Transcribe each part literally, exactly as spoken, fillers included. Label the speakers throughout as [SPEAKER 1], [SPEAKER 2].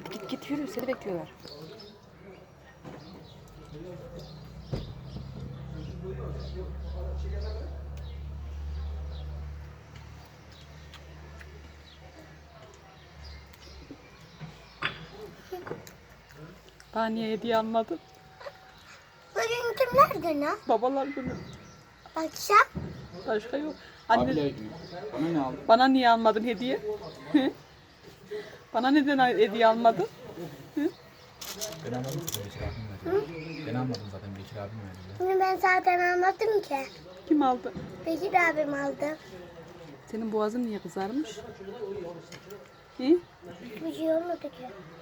[SPEAKER 1] Hadi git git yürü, seni bekliyorlar. Bana niye hediye almadın?
[SPEAKER 2] Bugün kimler günü?
[SPEAKER 1] Babalar günü.
[SPEAKER 2] Akşam.
[SPEAKER 1] Başka yok. Anne,
[SPEAKER 3] Abiler bana ne aldın?
[SPEAKER 1] bana niye almadın hediye? Bana neden hediye almadın?
[SPEAKER 3] Ben almadım ki Bekir abim verdi. Ben almadım zaten Bekir abim verdi.
[SPEAKER 2] Bunu ben zaten almadım ki.
[SPEAKER 1] Kim aldı?
[SPEAKER 2] Bekir abim aldı.
[SPEAKER 1] Senin boğazın niye kızarmış? Hı?
[SPEAKER 2] Bir şey olmadı ki.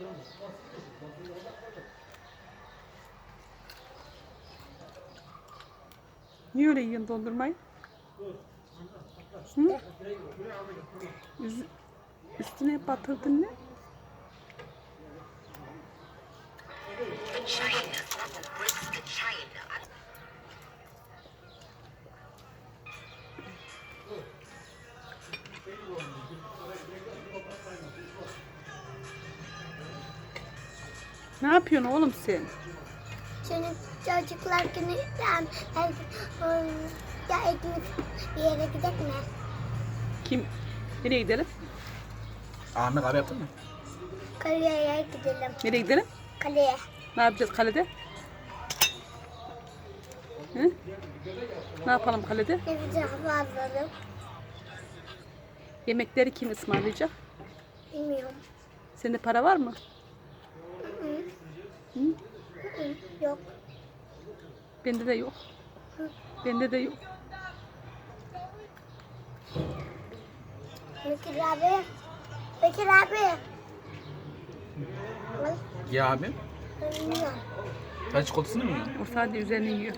[SPEAKER 1] Niye öyle yiyorsun dondurmayı? Hı? Üz- üstüne batırdın ne? Ne yapıyorsun oğlum sen?
[SPEAKER 2] Senin çocuklar günü ben, ben ya ekmek bir yere gidelim mi?
[SPEAKER 1] Kim? Nereye gidelim?
[SPEAKER 3] Ahmet abi yaptın mı?
[SPEAKER 2] Kaleye gidelim.
[SPEAKER 1] Nereye gidelim?
[SPEAKER 2] Kaleye.
[SPEAKER 1] Ne yapacağız kalede? Hı? Ne yapalım kalede?
[SPEAKER 2] Nefise hava alalım.
[SPEAKER 1] Yemekleri kim ısmarlayacak?
[SPEAKER 2] Bilmiyorum.
[SPEAKER 1] Sende para var mı? Hı?
[SPEAKER 2] Hı, yok.
[SPEAKER 1] Bende de yok. Bende de yok.
[SPEAKER 2] Bekir abi. Bekir abi. Al.
[SPEAKER 3] Ya abi.
[SPEAKER 2] Bilmiyorum.
[SPEAKER 3] Sen çikolatasını mı yiyorsun?
[SPEAKER 1] O sadece üzerine yiyor.